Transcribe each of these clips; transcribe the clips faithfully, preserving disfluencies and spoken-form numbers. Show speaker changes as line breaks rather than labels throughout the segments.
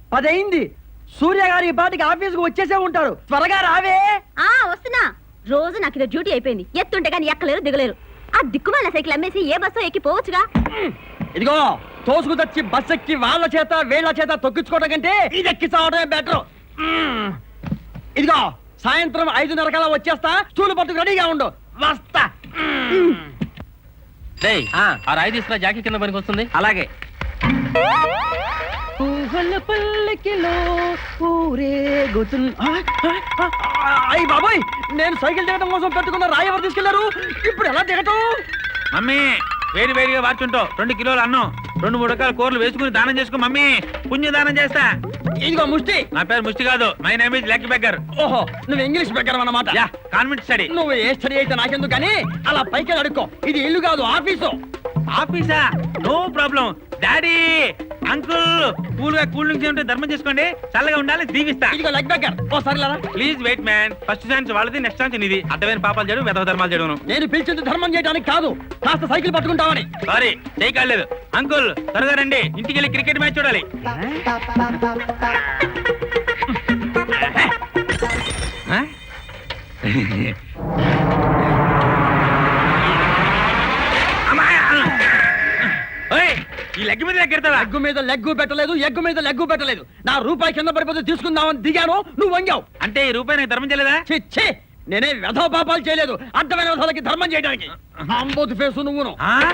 పదైంది. సూర్య గారు ఈ పాటికి ఆఫీస్కి వచ్చేసే ఉంటారు. త్వరగా రావే.
ఆ వస్తున్నా. రోజు నాకు ఇది డ్యూటీ అయిపోయింది. ఎత్తుంటే కానీ ఎక్కలేరు దిగలేరు. ఆ దిక్కుమాల సైకిల్ అమ్మేసి ఏ బస్సు ఎక్కి పోవచ్చుగా.
ఇదిగో తోసుకు తెచ్చి బస్ ఎక్కి వాళ్ళ చేత వీళ్ళ చేత తొక్కించుకోవడం కంటే ఇది ఎక్కి చావడమే బెటర్. ఇదిగో సాయంత్రం ఐదున్నర కల్లా వచ్చేస్తా. స్టూలు పట్టుకు రెడీగా ఉండు. వస్తా.
రాయి తీసుకురా, జాకీ కింద పనికి వస్తుంది.
అలాగే. అయ్యి బాబాయ్, నేను సైకిల్ దిగడం కోసం పెట్టుకున్న రాయి ఎవరు తీసుకెళ్లారు? ఇప్పుడు ఎలా దిగటం?
మమ్మీ వేడి వేడిగా వార్చుంటావు. రెండు కిలోలు అన్నం, రెండు మూడు రకాల కూరలు వేసుకుని దానం చేసుకో మమ్మీ. పుణ్య దానం చేస్తా.
ఇదిగో ముష్టి.
నా పేరు ముష్టి కాదు, my name is lucky beggar.
ఓహో, నువ్వు ఇంగ్లీష్ బెగ్గర్ అన్నమాట.
Yeah, convent study.
నువ్వు ఏ స్టడీ అయితే నాకెందుకు కానీ అలా పైకి అడుక్కో. ఇది ఇల్లు కాదు, ఆఫీసు.
ఆఫీసా? No problem. Daddy, uncle, cool గా కూల్ డ్రింక్స్ ఉంటే ధర్మం చేసుకోండి. చల్లగా ఉండాలి, దీవిస్తా.
ఇదిగో లెగ్ బెగ్గర్. ఓ సరేలా.
Please wait man. First chance వాళ్ళది, నెక్స్ట్ ఛాన్స్ నీది. అర్థమైన పాపాలు చేయడం, వెధవ ధర్మాలు చేయడం.
నేను పిలిచింది ధర్మం చేయడానికి కాదు, కాస్త సైకిల్ పట్టుకుంటామని.
సారీ, చేయకాలేదు. అంకుల్ త్వరగా రండి, ఇంటికి వెళ్ళి క్రికెట్ మ్యాచ్ చూడాలి. ఈ లెగ్ మీద లెగ్గెడతావా?
లెగ్గు మీద లెగ్గు పెట్టలేదు, ఎగ్గు మీద లెగ్గు పెట్టలేదు. నా రూపాయి కింద పడిపోతే తీసుకుందామని దిగాను, నువ్వు వంగావు.
అంటే ఈ రూపాయి నాకు ధర్మం చేయలేదా?
చిచ్చే, నేనే వెధవ పాపాలు చేయలేదు. అర్థమైన విధాలకి ధర్మం చేయడానికి. అంబోతు ఫేసు నువ్వును.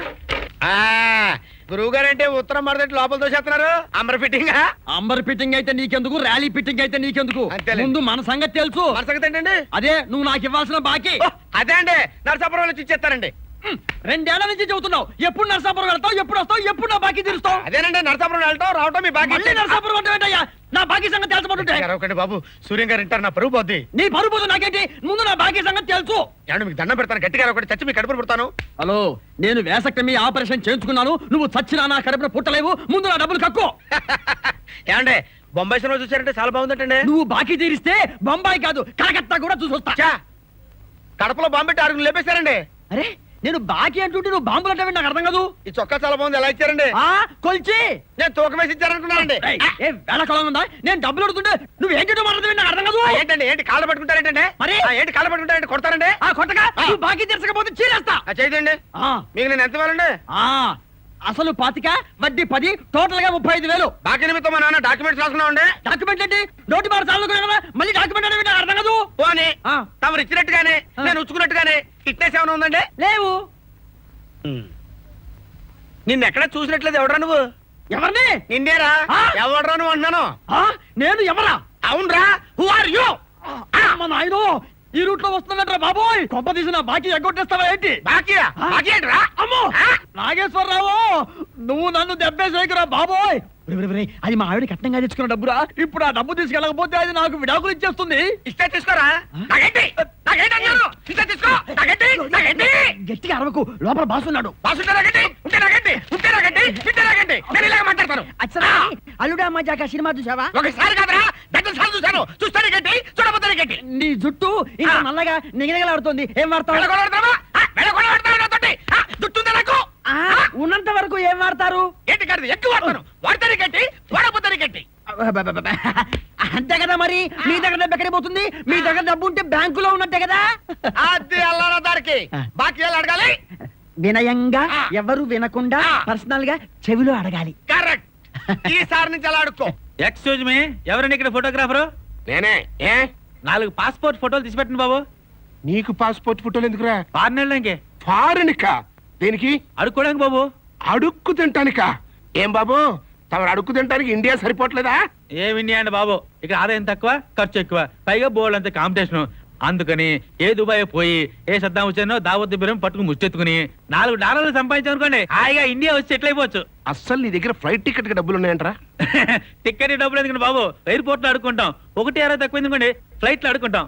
గురువు గారంటే ఉత్తరం మరదటి లోపల దోసేస్తున్నారు. అంబర్ ఫిట్టింగ్
అంబర్ ఫిట్టింగ్ అయితే నీకెందుకు, ర్యాలీ ఫిట్టింగ్ అయితే నీకెందుకు? ముందు మన సంగతి తెలుసు.
మన సంగతి ఏంటండి?
అదే నువ్వు నాకు ఇవ్వాల్సిన బాకీ.
అదే అండి, నరసాపురం వచ్చి ఇచ్చేస్తారండి.
రెండేళ్ల నుంచి చెబుతున్నావు. ఎప్పుడు నరసాపురం వెళ్తావు, ఎప్పుడు వస్తావు, ఎప్పుడు నా బాకీ తీరుస్తావు?
అదేనండి, నరసాపురం వెళ్ళటం రావటం మీ బాకీ.
నరసాపురం అంటే ఏంటయ్యా? నా బాకీ సంగతి తెలుసుకుంటుంటే.
ఒకటి బాబు, సూర్యం గారు ఇంటారు, నా పరువు పోద్ది.
నీ పరువు పోదు నాకేంటి? ముందు నా బాకీ సంగతి తెలుసు.
ఏమంటే మీకు దండం పెడతాను, గట్టిగా ఒకటి చచ్చి మీ కడుపును పుడతాను.
హలో, నేను వేసక్టమీ ఆపరేషన్ చేయించుకున్నాను. నువ్వు చచ్చినా నా కడుపున పుట్టలేవు. ముందు నా డబ్బులు కక్కు.
ఏమంటే బొంబాయి సినిమా చూసారంటే చాలా బాగుందంటండి.
నువ్వు బాకీ తీరిస్తే బొంబాయి కాదు కలకత్తా కూడా చూసొస్తా.
కడపలో బాంబు పెట్టి అడుగులు లేపేశారండి.
అరే, నేను బాకీ అంటుంటే నువ్వు బాంబులు అంటే నాకు అర్థం కాదు.
ఈ చొక్కా చాలా బాగుంది, ఎలా ఇచ్చారండి?
ఆ కొల్చి
నేను తూకం వేసి ఇచ్చారనుకున్నానండి.
వేళకాలం ఉందా? నేను డబ్బులు అడుగుతుంటే నువ్వు ఏంటో మాట్లాడుతుంది నాకు అర్థం కాదు.
ఏంటండి, ఏంటి కాళ్ళు పట్టుకుంటారేంటంటే?
మరి
ఏంటి కాళ్ళు పట్టుకుంటారంటే కొడతారండి?
ఆ కొట్టగా నువ్వు బాకీ తీర్చకపోతే చీరేస్తా.
చేయదండి. మీకు నేను ఎంత ఇవ్వాలండి?
అసలు పాతిక, వడ్డీ పది, టోటల్ గా ముప్పై ఐదు వేలు.
బాకీ నిమిత్తం మా నాన్న డాక్యుమెంట్స్ రాసుకున్నామండి.
డాక్యుమెంట్ ఏంటి? నోటి మాట చాలు కదా, మళ్ళీ డాక్యుమెంట్ అనేది నాకు అర్థం కాదు.
పోనీ తమరు ఇచ్చినట్టుగానే నేను ఉచ్చుకున్నట్టుగానే ఫిట్నెస్ ఏమైనా ఉందండి?
లేవు.
నిన్ను ఎక్కడ చూసినట్లేదు. ఎవడరా నువ్వు?
ఎవరిని?
నిన్నేరా. ఎవడరా నువ్వు అంటున్నాను.
నేను ఎవరా?
అవునరా. Who are you?
నాయనో, ఈ రూట్ లో వస్తున్నట్రా బాబోయ్. కొంప తీసిన బాకీ ఎగ్గొట్టేస్తావా ఏంటి?
బాకీయా? బాకీ ఏంట్రా?
అమ్మో నాగేశ్వరరావు, నువ్వు నన్ను దెబ్బేసేకురా బాబోయ్. అది మా ఆవిడ కట్నంగా తెచ్చుకున్న డబ్బురా. ఇప్పుడు ఆ డబ్బు తీసుకెళ్ళకపోతే అది నాకు విడాకులు ఇచ్చేస్తుంది.
ఇస్తే తీసుకోరా.
గట్టిగా అరవకు, లోపల బాసున్నాడు.
మాట్లాడతాను.
అల్లుడా మజాక సినిమా చూసావా?
ఒకసారి కాదురా, దగ్గర సార్లు చూసాను. చూస్తాను గట్టి, చూడబోతాను గట్టి.
నీ జుట్టు ఇంకా నల్లగా నిగనిగలాడుతుంది. ఏం వాడతావు? ఉన్నంత వరకు ఏం వాడతారు?
ఏంటి కాదు, ఎక్కువ వాడతాను. వాడతాను గట్టి, వాడబోతాను గట్టి.
అంతే కదా. మరి మీ దగ్గర డబ్బు ఎక్కడికి పోతుంది? మీ దగ్గర డబ్బు ఉంటే బ్యాంకులో ఉన్నట్టే కదా.
అది అల్లారా దానికి బాకీ అడగాలి.
వినయంగా, ఎవరు వినకుండా పర్సనల్ గా చెవిలో అడగాలి.
కరెక్ట్. ఈసారి నుంచి అలా అడుక్కో.
ఎక్స్క్యూజ్ మీ, ఎవరండి ఇక్కడ ఫోటోగ్రాఫరు?
నేనే. ఏ
నాలుగు పాస్పోర్ట్ ఫోటోలు తీసి పెట్టండి బాబు.
నీకు పాస్పోర్ట్ ఫోటోలు ఎందుకురా?
ఫారెన్ వెళ్ళడానికి.
ఫారెన్ కా? దేనికి?
అడుక్కోడానికి బాబు.
అడుక్కు తింటానికా? ఏం బాబు, తమరు అడుక్కు తింటానికి ఇండియా సరిపోవట్లేదా?
ఏం ఇండియా అండి బాబు, ఇక్కడ ఆదాయం తక్కువ, ఖర్చు ఎక్కువ, పైగా బోర్డు అంత కాంపిటీషన్. అందుకని ఏ దుబాయ్ పోయి ఏ సద్దాం వచ్చానో దావత్ బిరం పట్టుకుని ముచ్చెత్తుకుని నాలుగు డాలర్లు సంపాదించామనుకోండి, హాయిగా ఇండియా వచ్చి సెటిల్ అయిపోవచ్చు.
అస్సలు నీ దగ్గర ఫ్లైట్ టికెట్ కి డబ్బులు ఉన్నాయంటరా?
టికెట్ డబ్బులు ఎందుకండి బాబు, ఎయిర్పోర్ట్ లో అడుకుంటాం. ఒకటి అరవై తక్కువ ఎందుకండి, ఫ్లైట్ లో అడుకుంటాం.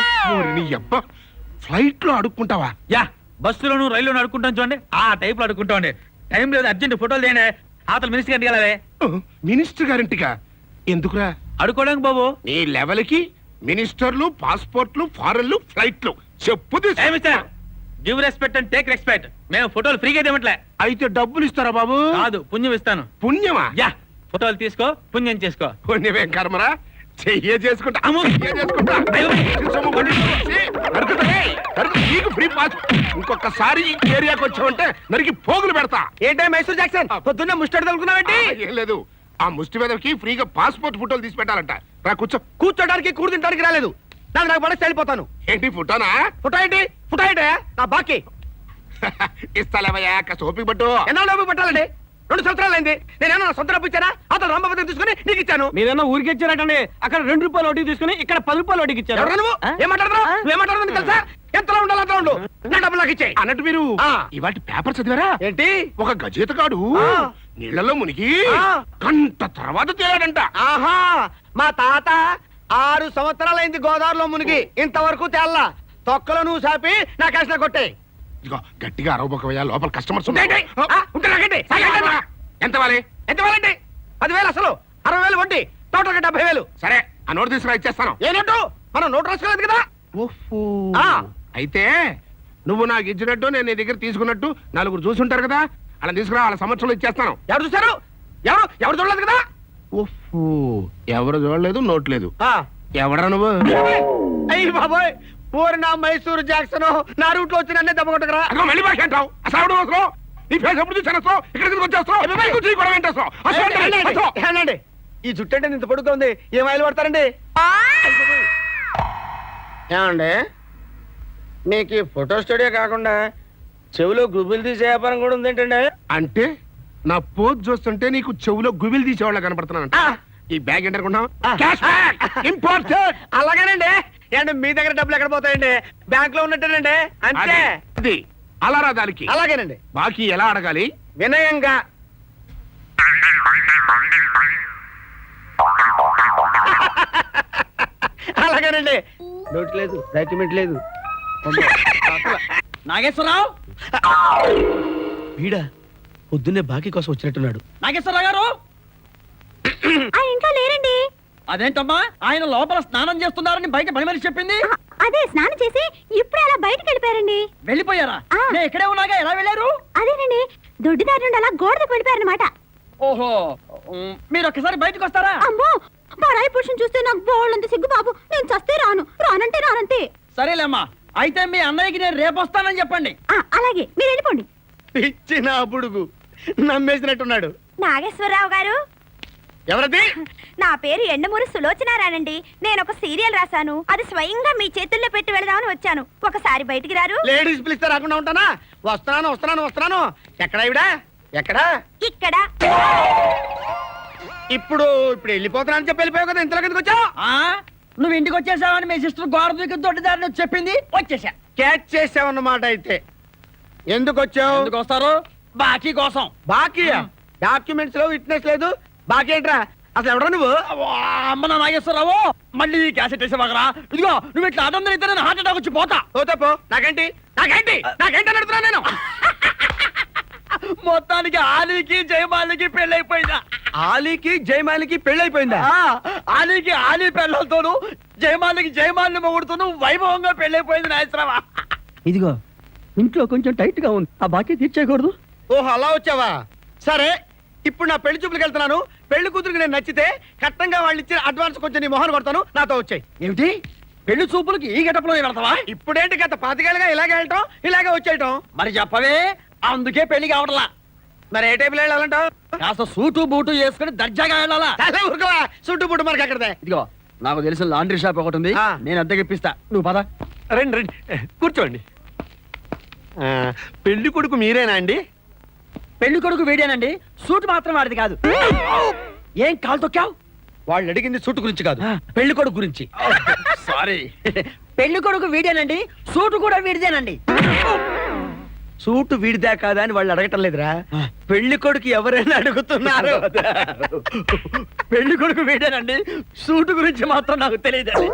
ఫ్లైట్ లో అడుక్కుంటావా?
యా, బస్సులోను రైల్లోను అడుకుంటాం చూడండి, ఆ టైప్ లో అడుకుంటాం అండి. టైం లేదు, అర్జెంట్ ఫోటోలు తీయండి. ఆతల మినిస్టర్ గారికి వెళ్ళాలి.
మినిస్టర్ గారింటికా? ఎందుకురా?
అడుకోవడానికి బాబు.
నీ లెవెల్ కి మినిస్టర్లు, పాస్పోర్ట్లు, ఫారెన్లు, ఫ్లైట్లు చెప్పు.
Give respect and take respect. మేము ఫోటోలు ఫ్రీగా ఇవ్వట్లే.
అయితే డబ్బులు ఇస్తారా బాబు?
కాదు, పుణ్యం ఇస్తాను.
పుణ్యమా?
యా, ఫోటోలు తీసుకో పుణ్యం చేసుకో.
పుణ్యమేం కర్మరా, చెయ్యే చేసుకుంటా
అమ్మో!
చెయ్యే చేసుకుంటా
అయ్యో!
సొమ్ము కొట్టి చూసి, నరుకుతా, ఏయ్, నరుకు, నీకు ఫ్రీ పాస్. ఇంకొకసారి ఈ ఏరియాకి వచ్చావంటే నరికి పోగులు పెడతా.
ఏంటే మైసూర్ జాక్సన్ పొద్దున్నే ముస్టాడు తలుకున్నావేంటి?
ఆ, ఏం లేదు, ఆ ముష్టి మీదకి ఫ్రీగా పాస్పోర్ట్ ఫోటోలు తీసి పెట్టాలంట. రా కూర్చో.
కూర్చోడానికి కూడు తింటానికి రాలేదు. నాకు నాకు పడేసి వెళ్ళిపోతాను.
ఏంటి ఫోటోనా?
ఫోటో ఏంటి? ఫోటో ఏంటి? నా బాకీ
ఇస్తాలేవయ్యా, కాస్త ఓపిక పట్టు.
ఎన్నాళ్ళు డబ్బు పెట్టాలండి? రెండు సంవత్సరాలు అయింది. నేనేమో నా సొంత డబ్బు ఇచ్చానా? అతను రంభపతి తీసుకుని నీకు ఇచ్చాను.
మీరేమో ఊరికి ఇచ్చారటండి. అక్కడ రెండు రూపాయలు వడ్డీ తీసుకుని ఇక్కడ పది రూపాయలు వడ్డీకి ఇచ్చారు.
ఎవరు నువ్వు?
ఆ?
ఏం మాట్లాడుతున్నావు? నువ్వు ఏం మాట్లాడుతున్నావు తెలుసా? ఎంతలో ఉండాలి అంతలో ఉండు. నా డబ్బులు నాకు ఇచ్చేయ్.
అన్నట్టు మీరు
ఆ.
ఇవాటి పేపర్ చదివారా?
ఏంటి?
ఒక గజేతగాడు
ఆ.
నీళ్లలో మునిగి
ఆ.
గంట తర్వాత తేలాడంట.
ఆహా, మా తాత ఆరు సంవత్సరాలైంది గోదావరిలో మునిగి ఇంతవరకు తేల్లా. తొక్కలో నువ్వు సాపి నా కష్ట కొట్టే.
ఇదిగో గట్టిగా అరవబోకవయ్యా, లోపల కస్టమర్స్
ఏంటి? ఆ, ఉంటే నాకేంటి? నాకేంటి?
ఎంత వాలి?
ఎంత వేలండి? పదివేలు అసలు, అరవై వేలు వడ్డీ, టోటల్ డెబ్బై వేలు.
సరే, ఆ నోటు తీసుకురా, ఇచ్చేస్తాను.
ఏ నోటు? మనం నోటు రాసుకోలేదు కదా.
ఓహో.
ఆ.
అయితే నువ్వు నాకు ఇచ్చినట్టు నేను నీ దగ్గర తీసుకున్నట్టు నలుగురు చూసుంటారు కదా, అలా తీసుకురా, వాళ్ళ సంవత్సరంలో ఇచ్చేస్తాను.
ఎవరు చూసారు? ఎవరు ఎవరు చూడలేదు కదా.
ఓహో, ఎవరు చూడలేదు, నోట్ లేదు.
ఆ.
ఎవడరా నువ్వు?
అయ్యి బాబోయ్, పూరి నా మైసూరు జాక్సన్ నా రూట్ లో వచ్చి నన్నే దెబ్బ కొట్టకరా.
అదిగో మళ్ళీ భాష అంటావు. అసలు ఎవడు అవసరం? నీ ఫేస్ ఎప్పుడు చూసాను, ఇక్కడికి వచ్చేస్తావు. కూర్చో, ఈ గొడవ ఏంటేస్తావు? అసలు ఏంటి?
ఏనండి?
అసలు.
ఏనండి? ఈ జుట్టు అంటే ఇంత పొడుగ్గా ఉంది, ఏం ఆయిల్ పడతారండి? ఏమండి, మీకు ఈ ఫోటో స్టూడియో కాకుండా చెవిలో గుబులు తీసే వ్యాపారం కూడా ఉంది ఏంటండి?
అంటే నా పోజ్ చూస్తుంటే నీకు చెవులో గుబిలు తీసేవాళ్ళ కనపడుతున్నానంట.
ఆ.
ఈ బ్యాగ్ ఏంటి అనుకుంటున్నావు?
ఆ.
Cash bag, important.
అలాగేనండి. ఏంటి మీ దగ్గర డబ్బులు ఎక్కడ పోతాయండి? బ్యాంక్ లో ఉన్నట్టేనండి, అంతే.
అది అలారా దానికి.
అలాగేనండి.
బాకీ ఎలా అడగాలి?
వినయంగా. అలాగేనండి. నోట్ లేదు, డాక్యుమెంట్ లేదు.
నాగేశ్వరరావు,
వీడా పొద్దున్నే బాకీ కోసం వచ్చినట్టున్నాడు.
నాగేశ్వరరావు గారు,
ఆ ఇంట్లో లేరండి.
అదేంటమ్మా ఆయన లోపల స్నానం చేస్తున్నారని బయట పని మనిషి చెప్పింది.
ఆ, అదే స్నానం చేసి ఇప్పుడే అలా బయటకు వెళ్ళిపోయారండి.
వెళ్ళిపోయారా?
ఆ.
నేను ఇక్కడే ఉన్నాగా, ఎలా వెళ్ళారు?
అదేనండి, దొడ్డిదారి నుండి అలా గోడకు వెళ్ళిపోయారనమాట.
ఓహో, ఉమ్, మీరు ఒక్కసారి బయటకు వస్తారా?
అమ్మో, పరాయి పురుషుని చూస్తే నాకు బోళ్ళంత సిగ్గు బాబు. నేను చస్తే రాను, రానంటే రానంతే.
సరేలేమ్మా, అయితే మీ అన్నయ్యకి నేను రేపు వస్తానని చెప్పండి.
ఆ, అలాగే మీరు వెళ్ళిపోండి.
ఇచ్చిన బుడుగు నమ్మేసినట్టున్నాడు.
నాగేశ్వరరావు గారు,
ఎవరది?
నా పేరు ఎండమూరి సులోచనారానండి. నేను ఒక సీరియల్ రాశాను, అది స్వయంగా మీ చేతుల్లో పెట్టి వెళదామని వచ్చాను. ఒకసారి బయటికి రారు?
లేడీస్ పిలిస్తే రాకుండా ఉంటానా? వస్తున్నాను వస్తున్నాను వస్తున్నాను. ఎక్కడా ఇవిడా? ఎక్కడా?
ఇక్కడ.
ఇప్పుడు ఇప్పుడు వెళ్ళిపోతున్నా అని చెప్పి వెళ్ళిపోయావు కదా, ఇంతలో కిందకి వచ్చావు.
ఆ నువ్వు ఇంటికి వచ్చేసావని మీ సిస్టర్ గోడ దూకి దొడ్డిదారిని వచ్చి చెప్పింది, వచ్చేసా.
క్యాచ్ చేసావన్నమాట. అయితే ఎందుకు వచ్చావు?
ఎందుకు వస్తారు? బాకీ కోసం.
బాకీ డాక్యుమెంట్స్ లో విట్నెస్ లేదు, బాకీ ఏంట్రా? అసలు ఎవడా నువ్వు?
అవ్వా, అమ్మ నా నాగేశ్వరరావు, మళ్ళీ ఈ క్యాసెట్ వేసేవాగరా? ఇదిగో నువ్వు ఇట్లా అదం అయితే నేను హార్ట్ అటాక్ వచ్చి పోతా.
పోతే పో, నాకేంటి నాకేంటి నాకేంటి అని అడుగుతున్నా నేను.
మొత్తానికి ఆలీకి జయమాలికి పెళ్ళైపోయిందా?
ఆలీకి జయమాలికి పెళ్ళైపోయిందా?
ఆ, ఆలీకి ఆలీ పెళ్ళతోను, జయమాలికి జయమాలిని మొగుడుతోను వైభవంగా పెళ్ళైపోయింది నాగేశ్వరరావా.
ఇదిగో
ఇంట్లో కొంచెం టైట్ గా ఉంది, ఆ బాకీ తీర్చేయకూడదు.
ఓహో, అలా వచ్చావా? సరే, ఇప్పుడు నా పెళ్లి చూపులకు వెళ్తున్నాను. పెళ్లి కూతురికి నేను నచ్చితే కట్టంగా వాళ్ళు ఇచ్చిన అడ్వాన్స్ కొంచెం నీ మొహన్ కొడతాను, నాతో వచ్చాయి.
ఏమిటి, పెళ్లి చూపులకి ఈ గెటప్లో వెళ్తావా?
ఇప్పుడేంటి గత పాతికేళ్ళగా ఇలాగే వెళ్ళటం, ఇలాగే వచ్చేయటం.
మరి చెప్పవే, అందుకే పెళ్లి కావట్లా.
మరి ఏ టైపులో వెళ్ళాలంటావు?
కాస్త సూటు బూటు వేసుకుని దర్జాగా వెళ్ళాలా?
చాలా ఊరుకోవా, చుట్టూ పుట్టు మనకి అక్కడదే.
ఇదిగో నాకు తెలిసిన లాండ్రీ షాప్ ఒకటి ఉంది,
ఆ.
నేను అద్దెకి ఇప్పిస్తా, నువ్వు పద.
రండి రండి కూర్చోండి. పెళ్లి కొడుకు మీరేనా అండి?
పెళ్లి కొడుకు వీడేనండి, సూట్ మాత్రం వాడిది కాదు. ఏం కాలు తొక్కావు?
వాళ్ళు అడిగింది సూటు గురించి కాదు,
ఆ.
పెళ్లి కొడుకు గురించి.
సారీ, పెళ్లి కొడుకు వీడేనండి, సూటు కూడా వీడిదేనండి.
సూటు వీడిదా కాదా అని వాళ్ళు అడగటం లేదురా, పెళ్లి కొడుకు ఎవరైనా అడుగుతున్నారు.
పెళ్లి కొడుకు వీడేనండి, సూటు గురించి మాత్రం నాకు తెలియదండి.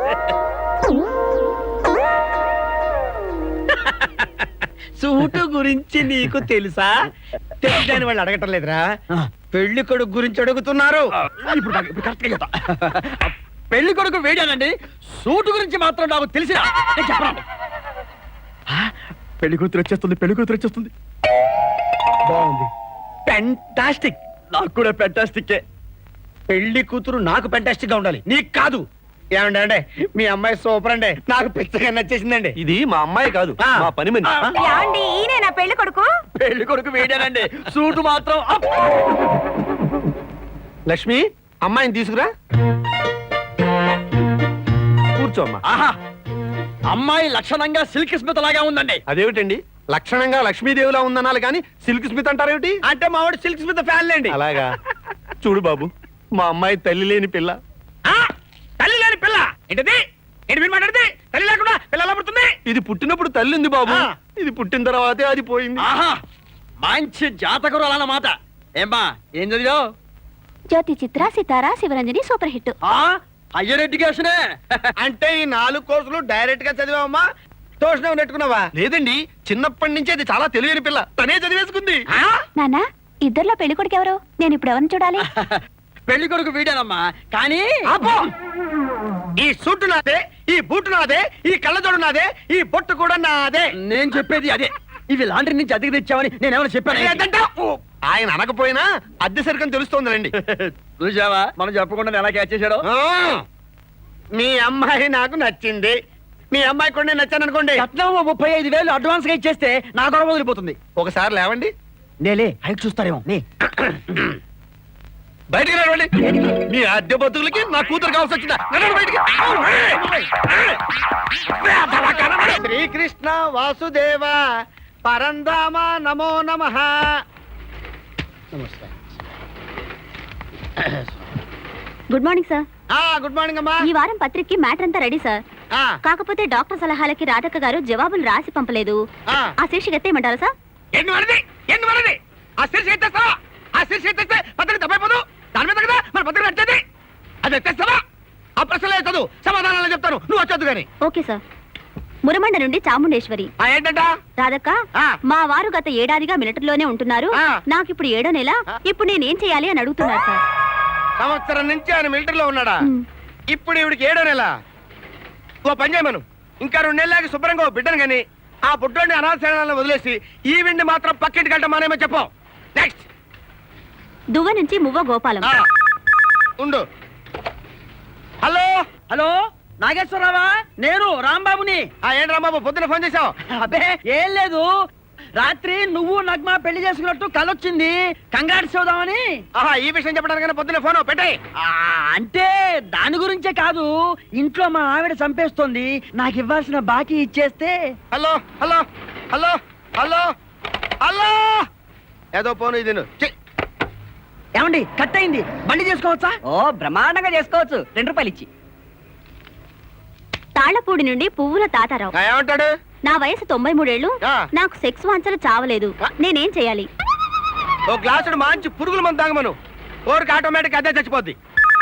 సూటు గురించి నీకు తెలుసా? తెలియదని వాళ్ళు అడగటం లేదురా, పెళ్లి కొడుకు గురించి అడుగుతున్నారు.
ఇప్పుడు నాకు- ఇప్పుడు కరెక్ట్గా చెప్తా. పెళ్లి కొడుకు వీడేనండి, సూటు గురించి మాత్రం నాకు తెలిసిన చెప్పండి. పెళ్లి కూతురు వచ్చేస్తుంది, పెళ్లి కూతురు వచ్చేస్తుంది.
బాగుంది, ఫెంటాస్టిక్.
నాకు కూడా ఫెంటాస్టిక్. పెళ్లి కూతురు నాకు ఫెంటాస్టిక్ గా ఉండాలి, నీకు కాదు. ఏమండి అంటే మీ అమ్మాయి సూపర్ అండి, నాకు పిచ్చగా నచ్చేసిందండి.
ఇది మా అమ్మాయి కాదు,
ఆ.
మా పని మనిషి.
ఆ.
ఏమండి ఈయన నా పెళ్లి కొడుకు?
పెళ్లి కొడుకు వేడానండి, సూటు మాత్రం అప్.
లక్ష్మి, అమ్మాయిని తీసుకురా. కూర్చోమ్మా.
ఆహా, అమ్మాయి లక్షణంగా సిల్క్ స్మిత్ లాగా ఉందండి.
అదేమిటండి, లక్షణంగా లక్ష్మీదేవిలా ఉందనాలి కానీ సిల్క్ స్మిత్ అంటారేమిటి?
అంటే మా వాడు సిల్క్ స్మిత్ ఫ్యాన్ లేండి.
అలాగా. చూడు బాబు, మా అమ్మాయి తల్లి లేని పిల్ల.
ఆ, తల్లి లేని పిల్ల ఏంటది? ఏంటి మీరు మాట్లాడితే తల్లి లేకుండా పిల్ల ఎలా పుడుతుంది?
ఇది పుట్టినప్పుడు తల్లి ఉంది బాబు,
ఆ.
ఇది పుట్టిన తర్వాతే అది పోయింది.
ఆహా, మంచి జాతకురు అన్నమాట. ఏమ్మా ఏం చదివావు?
Jyothi Chitra Sitara Sivaranjani super hit.
ఆ, హయ్యర్ ఎడ్యుకేషనే. అంటే ఈ నాలుగు కోర్సులు డైరెక్ట్ గా చదివావమ్మా, ట్యూషన్ నెట్టుకున్నావా?
లేదండి, చిన్నప్పటి నుంచి అది చాలా తెలియని పిల్ల, తనే చదివేసుకుంది.
ఆ?
నాన్న ఇద్దర్లో పెళ్లి కొడుకు ఎవరు? నేను ఇప్పుడు ఎవరిని చూడాలి?
పెళ్లి కొడుకు వీడానమ్మా, కానీ ఆపో. ఈ సూటు నాదే, ఈ బూటు నాదే, ఈ కళ్ళజోడు నాదే, ఈ బొట్టు కూడా నాదే. నేను చెప్పేది అదే. ఇవి లాండ్రీ నుంచి అద్దెకి తెచ్చావని నేనేమైనా చెప్పాను?
ఆయన అనకపోయినా అద్దె సరికని తెలుస్తోందండి.
చూసావా, మనం చెప్పకుండా ఎలా క్యాచ్ చేశాడు. మీ అమ్మాయి నాకు నచ్చింది, మీ అమ్మాయి కూడా నేను నచ్చాను అనుకోండి. రత్నం ముప్పై ఐదు వేలు అడ్వాన్స్ గా ఇచ్చేస్తే నా గొడవ వదిలిపోతుంది.
ఒకసారి లేవండి.
నేలే హైట్ చూస్తారేమో. నీ
బయటికి రావండి. మీ అద్దె బతుకులకి నా కూతురు కావాల్సి వచ్చిందా? నడవండి బయటికి.
శ్రీకృష్ణ వాసుదేవ పరంధామ నమో నమః.
Good morning sir.
ఆ గుడ్ మార్నింగ్ అమ్మా.
ఈ వారం పత్రికకి మ్యాటర్ అంతా రెడీ సార్.
ఆ,
కాకపోతే డాక్టర్ సలహాలకి రాధక్క గారు జవాబులు రాసి పంపలేదు.
ఆ.
ఆ శీర్షిక ఎత్తేయమంటారా సార్?
ఎన్ని వరది ఎన్ని వరది ఆ శీర్షి ఎత్తేస్తావా? ఆ శీర్షి ఎత్తేస్తే పత్రిక తప్పైపోదు. దాని మీద కదా మన పత్రిక నచ్చేది. అది ఎత్తేస్తావా? ఆ ప్రశ్నలే చదువు, సమాధానాలు చెప్తాను, నువ్వు వచ్చొద్దు గాని.
Okay sir. మురమండ నుండి చాముండేశ్వరి.
ఆ ఏంటంట?
రాధక్క,
ఆ.
మా వారు గత ఏడాదిగా మిలిటరీలోనే ఉంటున్నారు.
ఆ.
నాకు ఇప్పుడు ఏడో నెల. ఇప్పుడు నేనేం చేయాలి అని అడుగుతున్నారు సార్.
సంవత్సరం నుంచి ఆయన మిలిటరీలో ఉన్నాడా?
మ్.
ఇప్పుడు ఇవిడికి ఏడో నెల. ఓ పని చేయమను, ఇంకా రెండు నెలలకి శుభ్రంగా ఓ బిడ్డను గాని ఆ పుట్టోడిని అనాథశాలను వదిలేసి ఈ విండి మాత్రం పక్కింటికి వెళ్ళటం మానేమో చెప్పు. నెక్స్ట్.
దువ్వ నుంచి మువ్వ గోపాలం.
ఆ, ఉండు. హలో హలో నాగేశ్వరరావా? నేను రాంబాబుని. ఆ ఏంటి రాంబాబు పొద్దున ఫోన్ చేశావు? అబ్బే ఏం లేదు, రాత్రి నువ్వు నగ్మా పెళ్లి చేసుకున్నట్టు కలొచ్చింది, కంగారు చూద్దామని. ఆహా, ఈ విషయం చెప్పడానికి పొద్దున ఫోన్ పెట్టే. అంటే దాని గురించే కాదు, ఇంట్లో మా ఆవిడ చంపేస్తోంది, నాకు ఇవ్వాల్సిన బాకీ ఇచ్చేస్తే. Hello hello hello hello hello ఏదో ఫోన్ ఇది. ఏమండి కట్ అయింది, బండి చేసుకోవచ్చా?
ఓ బ్రహ్మాండంగా చేసుకోవచ్చు, రెండు రూపాయలు ఇచ్చి.
తాళ్లపూడి నుండి పువ్వుల తాతారావు.
ఆ, ఏమంటాడు?
నా వయసు తొంభై మూడేళ్లు.
ఆ.
నాకు సెక్స్ వాంచలు చావలేదు.
ఆ.
నేనేం చేయాలి?
ఓ గ్లాసుడు మంచి పురుగుల మందు తాగమను, ఓరికి ఆటోమేటిక్ అదే చచ్చిపోద్ది.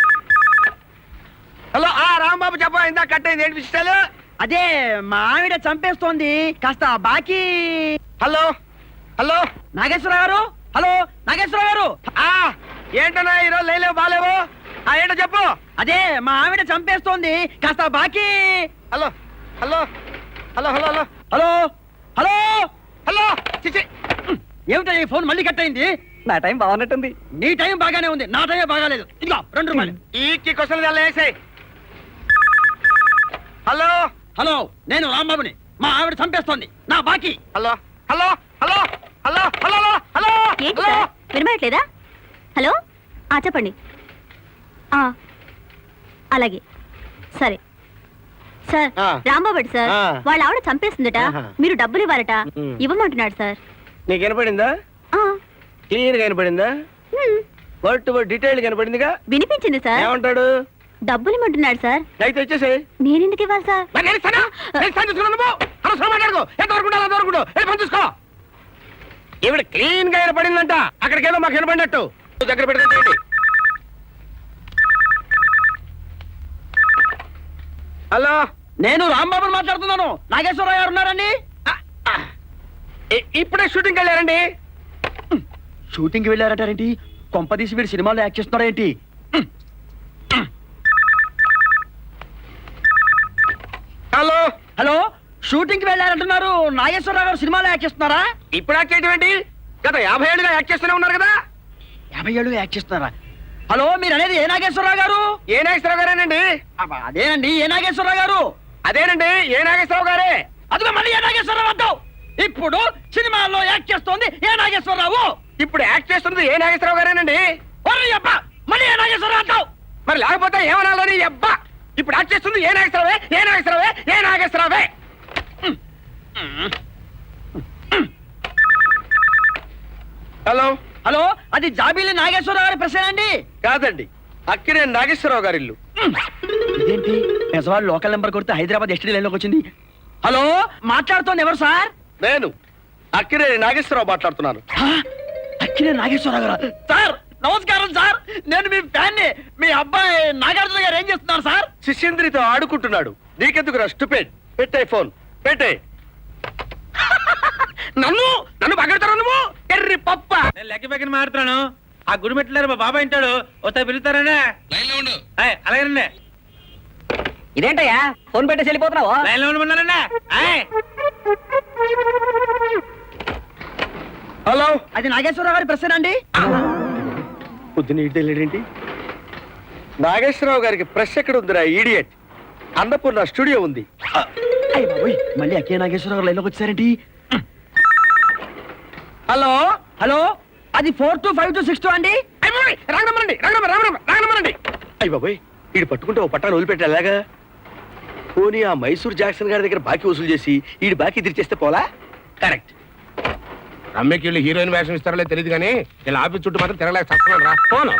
హలో, ఆ రాంబాబు చెప్ప, ఇందా కట్ అయింది, ఏంటి విషయాలు? అదే మా ఆవిడ చంపేస్తోంది, కాస్త బాకీ. హలో హలో నాగేశ్వర గారు, హలో నాగేశ్వర గారు. ఆ ఏంటన్నా ఈరోజు లేలేవు బాలేవు? ఆ ఏంటో చెప్పు. అదే మా ఆవిడ చంపేస్తోంది, కాస్త బాకీ. Hello hello hello hello hello hello hello hello చిచి, ఏమిటా ఈ ఫోన్ మళ్ళీ కట్ అయింది?
నా టైం బాగున్నట్టుంది.
నీ టైం బాగానే ఉంది, నా టైం బాగాలేదు. ఇదిగో రెండు రూపాయలు. ఈ క్వశ్చన్ వేసాయి. హలో హలో నేను రాంబాబుని, మా ఆవిడ చంపేస్తోంది, నా బాకీ. Hello hello hello hello hello hello
ఏంటి సార్ వినబడట్లేదా? హలో, ఆ చెప్పండి. ఆ అలాగే సరే సార్.
ఆ.
రాంబాబు సార్,
ఆ.
వాళ్ళ ఆవిడ చంపేస్తుందట,
ఆహా.
మీరు డబ్బులు ఇవ్వాలట.
ఉమ్.
ఇవ్వమంటున్నాడు సార్.
నీకు వినపడిందా?
ఆ,
క్లియర్ గా వినపడిందా?
Um,
word to word detail కనపడిందిగా.
వినిపించింది సార్.
ఏమంటాడు?
డబ్బులు ఇమ్మంటున్నాడు సార్.
అయితే వచ్చేసి
నేనెందుకు ఇవ్వాలి సార్?
ఈవిడ క్లీన్ గా వినపడిందంట, అక్కడికేదో మాకు వినపడినట్టు. దగ్గర పెట్టుకోండి. హలో, నేను రాంబాబుని మాట్లాడుతున్నాను. నాగేశ్వరరావు గారు ఉన్నారండి? ఇప్పుడే షూటింగ్ వెళ్ళారండి. షూటింగ్ వెళ్ళారటారేంటి? కొంపదీసి వీడు సినిమాలో యాక్ట్ చేస్తున్నారేంటి? హలో హలో షూటింగ్ కి వెళ్ళారంటున్నారు, నాగేశ్వరరావు గారు సినిమాలో యాక్ట్ చేస్తున్నారా? ఇప్పుడు యాక్ట్ చేయడం ఏంటి? గత యాభై ఏళ్ళుగా యాక్ట్ చేస్తూనే ఉన్నారు కదా. యాభై ఏళ్ళు యాక్ట్ చేస్తున్నారా?
హలో మీరు అనేది ఏ నాగేశ్వరరావు గారు?
ఏ నాగేశ్వరరావు గారేనండి?
అబ్బా, అదేనండి ఏ నాగేశ్వరరావు గారు.
అదేనండి ఏ నాగేశ్వరరావు గారే.
అదిగో మళ్ళీ ఏ నాగేశ్వరరావు అంటావు. ఇప్పుడు సినిమాల్లో యాక్ట్ చేస్తోంది ఏ నాగేశ్వరరావు.
ఇప్పుడు యాక్ట్ చేస్తున్నది ఏ నాగేశ్వరరావు గారేనండి.
ఒర్రి అబ్బా, మళ్ళీ ఏ నాగేశ్వరరావు అంటావు.
మరి లేకపోతే ఏమనాలని అబ్బా. ఇప్పుడు యాక్ట్ చేస్తుంది ఏ నాగేశ్వరరావే ఏ నాగేశ్వరరావే ఏ నాగేశ్వరరావే. హలో
హలో, అది జాబీలి నాగేశ్వరరావు గారి ప్రశ్న అండి.
కాదండి, అక్కినే నాగేశ్వరరావు గారి ఇల్లు.
ఇదేంటి పెసవాడు లోకల్ నెంబర్ కొడితే హైదరాబాద్ ఎస్టీ లైన్ లోకి వచ్చింది. హలో, మాట్లాడుతోంది ఎవరు సార్?
నేను అక్కినే నాగేశ్వరరావు మాట్లాడుతున్నాను.
హా? అక్కినే నాగేశ్వరరావు గారు. సార్ నమస్కారం సార్, నేను మీ ఫ్యాన్ ని. మీ అబ్బాయి నాగార్జున గారు ఏం చేస్తున్నారు సార్?
శిష్యంద్రితో ఆడుకుంటున్నాడు. నీకెందుకు స్టూపిడ్. పెట్టే ఫోన్ పెట్టే. నన్ను నన్ను పగడతారు నువ్వు ఎర్రి పప్ప.
నేను లెక్క పక్కన మారుతున్నాను. ఆ గుడి మెట్లేరు మా బాబాయ్ ఇంటాడు, ఒకసారి పిలుస్తారనే. ఏయ్, అలాగేనండి.
ఇదేంటయ్యా ఫోన్ పెట్టేసి వెళ్ళిపోతున్నావు?
లైన్ లో ఉండమన్నారండి. ఏయ్,
హలో,
అది నాగేశ్వరరావు గారి ప్రశ్న అండి.
పొద్దున ఇటు వెళ్ళాడేంటి? నాగేశ్వరరావు గారికి ప్రెస్ ఎక్కడ ఉందిరా ఈడియట్? అన్నపూర్ణ స్టూడియో ఉంది.
అయ్య బాబోయ్, మళ్ళీ అక్కే నాగేశ్వరరావు గారు లైన్ లోకి వచ్చారేంటి? హలో హలో, అది four two five two six two అండి.
రాగనమ్మరండి రాగనమ్మ రాగనమ్మరండి. అయ్యి బాబోయ్, వీడు పట్టుకుంటే ఓ పట్టాను వదిలిపెట్టి అలాగా. పోనీ ఆ మైసూర్ జాక్సన్ గారి దగ్గర బాకీ వసూలు చేసి వీడి బాకీ తీర్చేస్తే పోలా? కరెక్ట్.
రమ్యకి వీళ్ళు హీరోయిన్ వేషం ఇస్తారో తెలియదు కానీ ఇలా ఆఫీస్ చుట్టూ మాత్రం తిరగలేక చస్తున్నాను రా.
పోను.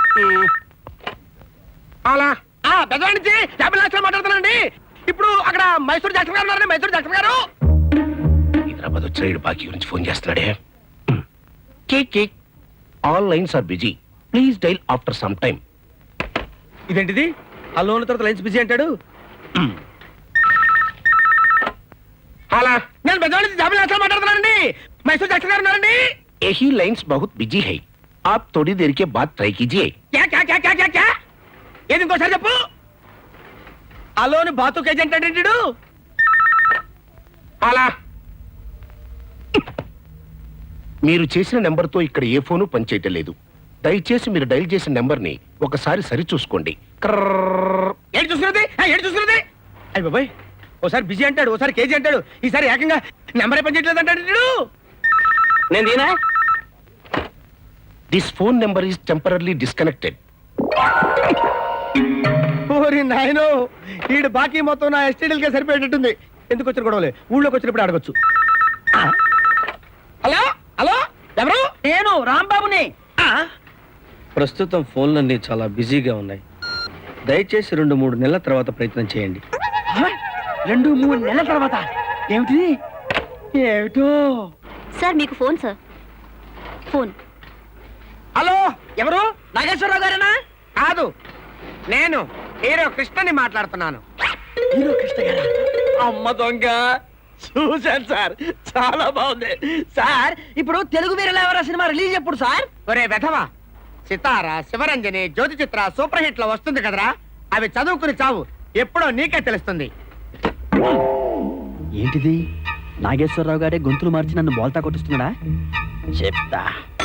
అలా
ఆ పెద్దవాడి నుంచి యాభై లక్షలు మాట్లాడుతానండి. ఇప్పుడు అక్కడ మైసూర్ జాక్సన్ గారు ఉన్నారండి. మైసూర్ జాక్సన్ గారు
హైదరాబాద్ వచ్చిన వీడు బాకీ గురించి ఫోన్ చేస్తున్నాడే. కేక్ కేక్ all lines are busy, please dial after some time.
ఇదేంటిది? ఆ లోన్ తర్వాత లైన్స్ బిజీ అంటాడు.
అలా
నేను పెద్దవాడి నుంచి యాభై లక్షలు మాట్లాడుతున్నానండి. మైసూర్ జాక్సన్ గారు ఉన్నారండి.
यही लाइन्स बहुत बिजी है, आप थोड़ी देर के बाद ट्राई कीजिए.
క్యా క్యా క్యా క్యా క్యా క్యా ఏది ఇంకోసారి చెప్పు. ఆ లోన్ బాతు ఏజెంట్ అంటే
అలా మీరు చేసిన నెంబర్తో ఇక్కడ ఏ ఫోను పనిచేయటం లేదు. దయచేసి మీరు డైల్ చేసిన నెంబర్ని ఒకసారి సరి చూసుకోండి. కర్రర్రర్.
ఏంటి చూస్తున్నది? ఆ, ఏంటి చూస్తున్నది? అయ్యి బాబాయ్, ఓసారి బిజీ అంటాడు, ఓసారి కేజీ అంటాడు, ఈసారి ఏకంగా నెంబరే పనిచేయట్లేదు అంటాడు. నేను దీనా
this phone number is temporarily disconnected.
ఓరి నాయనో, ఈడు బాకీ మొత్తం నా ఎస్టీడీలకే సరిపోయేటట్టుంది. ఎందుకు వచ్చిన గొడవలే, ఊళ్ళోకి వచ్చినప్పుడు అడగొచ్చు. ఆ? హలో హలో, ఎవరు?
నేను రాంబాబుని.
ఆ? ప్రస్తుతం ఫోన్లన్నీ చాలా బిజీగా ఉన్నాయి. దయచేసి రెండు మూడు నెలల తర్వాత ప్రయత్నం చేయండి.
హ? రెండు మూడు నెలల తర్వాత ఏమిటి? ఏమిటో.
సార్ మీకు ఫోన్ సార్. ఫోన్.
హలో,
ఎవరు? నాగేశ్వరరావు గారేనా?
కాదు, నేను హీరో కృష్ణని మాట్లాడుతున్నాను.
హీరో కృష్ణ గారా? అమ్మ దొంగ, చూశాను సార్, చాలా బాగుంది సార్. ఇప్పుడు తెలుగు వీరలేవరా సినిమా రిలీజ్ ఎప్పుడు సార్?
ఒరే వెధవా, సితార, శివరంజని, జ్యోతి చిత్ర సూపర్ హిట్ లో వస్తుంది కదరా. అవి చదువుకుని చావు, ఎప్పుడో నీకే తెలుస్తుంది.
ఏంటిది? నాగేశ్వరరావు గారే గొంతులు మార్చి నన్ను బోల్తా కొట్టిస్తున్నాడా? చెప్తా.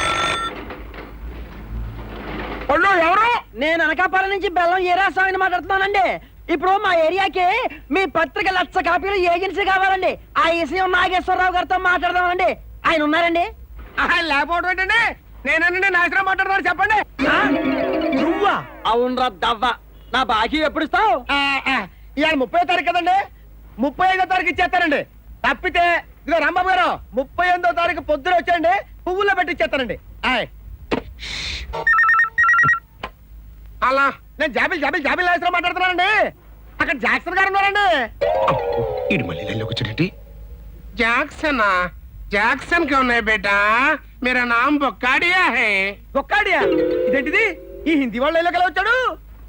ఒళ్ళు ఎవరు?
నేను అనకాపల్లి నుంచి బెల్లం ఏరాస్వామిని మాట్లాడుతున్నానండి. ఇప్పుడు మా ఏరియాకి మీ పత్రిక లక్ష కాపీలు ఏజెన్సీ కావాలండి. ఆ విషయం నాగేశ్వరరావు గారితో మాట్లాడదామండి. ఆయన ఉన్నారండి?
ఆహా, లేకపోవడం ఏంటండి? నేనండి నాశనం మాట్లాడుతున్నాను, చెప్పండి.
ఆ? నువ్వా? అవునరా దవ్వ. నా బాకీ ఎప్పుడు ఇస్తావు?
ఆ, ఆ, ఇవాళ ముప్పై తారీఖు కదండి, ముప్పై ఐదో తారీఖు ఇచ్చేస్తానండి. తప్పితే ఇదిగో రాంబాబు గారు, ముప్పై ఎనిమిదో తారీఖు పొద్దున వచ్చేయండి, పువ్వుల్లో పెట్టి ఇచ్చేస్తానండి. ఆయ్.
అలా
నేను జాబిల్ జాబిల్ జాబిల్ నాశనం మాట్లాడుతున్నానండి. అక్కడ జాక్సన్ గారు ఉన్నారండి.
ఇడు మళ్ళీ లైన్లోకి వచ్చాడండి. జాక్సనా? జాక్సన్ క్యా ఉన్నాయి బేటా, మేరా నామ్ బొక్కాడియా హై.
ఒక్కాడియా? ఇదేంటిది? ఈ హిందీ వాళ్ళు ఎలా వచ్చాడు?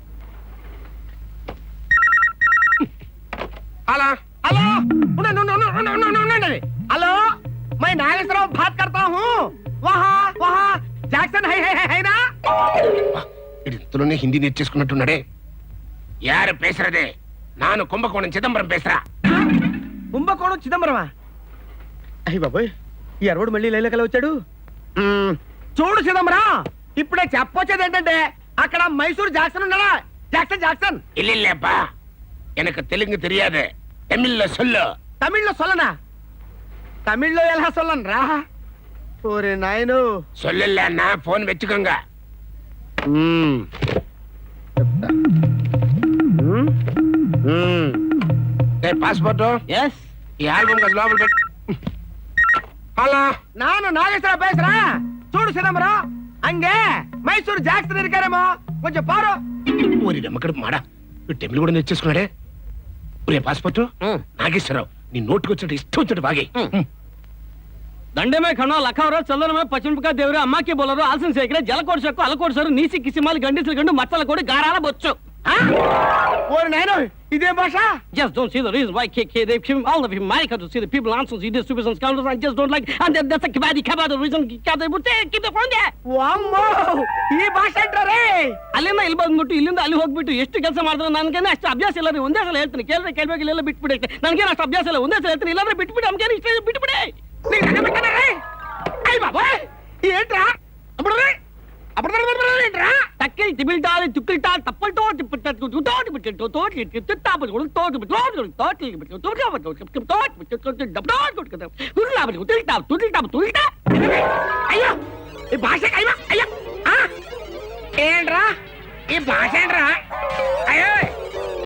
అలా
హలో, ఉండండి, ఉండండి, ఉండండి, ఉండండి, ఉండండి. హలో, मैं नागेश्वरराव बात करता हूँ. वहाँ वहाँ जैक्सन है है है ना?
ఇంతలోనే హిందీ నేర్చేసుకున్నట్టున్నాడే. యారు పేసరదే? నాను కుంభకోణం చిదంబరం పేసరా.
కుంభకోణం చిదంబరమా? అయ్యి బాబోయ్, ఈ అరవడు మళ్ళీ లైలోకి వచ్చాడు. మ్మ్, చూడు చిదంబరం, ఇప్పుడే చెప్పొచ్చేది ఏంటంటే
అక్కడ మైసూర్ జాక్సన్ ఉన్నాడా? జాక్సన్ జాక్సన్
இல்லப்பா எனக்கு தெலுங்கு தெரியாது தமிழ்ல சொல்லு
తమిళ్లో సొల్లనా? తమిళ్లో ఎలా సొల్లను రా? ఓరే నాయను.
சொல்லலன்னா போன் வச்சுக்கோங்க పాస్పోర్ట్
ఎస్
ఈ ఆల్బమ్ కదా లోపల పెట్టు హలో
నాను నాగేశ్వర పేసరా. చూడు సిదంబరం, అంగే మైసూర్ జాక్సన్ ఇరికారేమో, కొంచెం పారు.
ఊరి నమ్మకం మాడా టెంపుల్ కూడా నేర్చేసుకున్నాడే ఊరే పాస్పోర్ట్ నాగేశ్వరరావు నీ నోటుకు వచ్చినట్టు ఇష్టం వచ్చినట్టు బాగే
దండే में खड़ा लखा रहा चंदन में पश्चिम का देवरे अम्मा की बोलरो आसन सेकरे जलकोट सकु अलकोट सर नीसी किसी माल गंडिसल गंडु मచ్చల कोडी गाराला बొచ్చు.
ఓరి నాయను, ఇదే భాష?
Just don't see the reason why K K they came all of America to see the people answers he distributes and scoundrels. I just don't like and that, that's a kabadi kabadi reason they would take keep the phone there.
ವಾಮ್ಮೋ, ಈ ಭಾಷೆ ಅಂటారే?
ಅಲ್ಲಿಂದ ಇಲ್ಲಿ ಬಂದ್ಬಿಟ್ಟು ಇಲ್ಲಿಂದ ಅಲ್ಲಿ ಹೋಗ್ಬಿಟ್ಟು ಎಷ್ಟು ಕೆಲಸ ಮಾಡಿದ್ರು ನನಗೇನೆ ಅಷ್ಟು ಅಭ್ಯಾಸ ಇಲ್ಲ ರೀ. ಒಂದೇ ಸಲ ಹೇಳ್ತೀನಿ, ಕೇಳಿದ್ರೆ ಕೇಳ್ಬೇಕು, ಇಲ್ಲ ಬಿಟ್ಬಿಡಿ. ನನಗೇನು ಅಷ್ಟು ಅಭ್ಯಾಸ ಇಲ್ಲ, ಒಂದೇ ಸಲ ಹೇಳ್ತೀನಿ, ಇಲ್ಲಾಂದ್ರೆ ಬಿಟ್ಬಿಡಿ. ನಮ್ಗೇನು ಇಷ್ಟ ಬಿಟ್ಬಿಡಿ.
నీకు దండం పెట్టానే? అయ్య బాబోయ్, ఏంట్రా అప్పుడు అప్పుడు ఏంట్రా?
తక్కిలి తిబిల్టాలి తుక్కిల్టాలి తప్పల్టో తిప్పట్టు తోటి బిట్టు తోటి తిత్తాపలు కూడా తోటి బిట్టు తోటి తోటి బిట్టు తోటి తోటి బిట్టు తోటి బిట్టు డబ్బు తోటి కొట్టుకుంటాం. తుల్లాబలి తుల్టాపు తుల్టాపు తుల్టా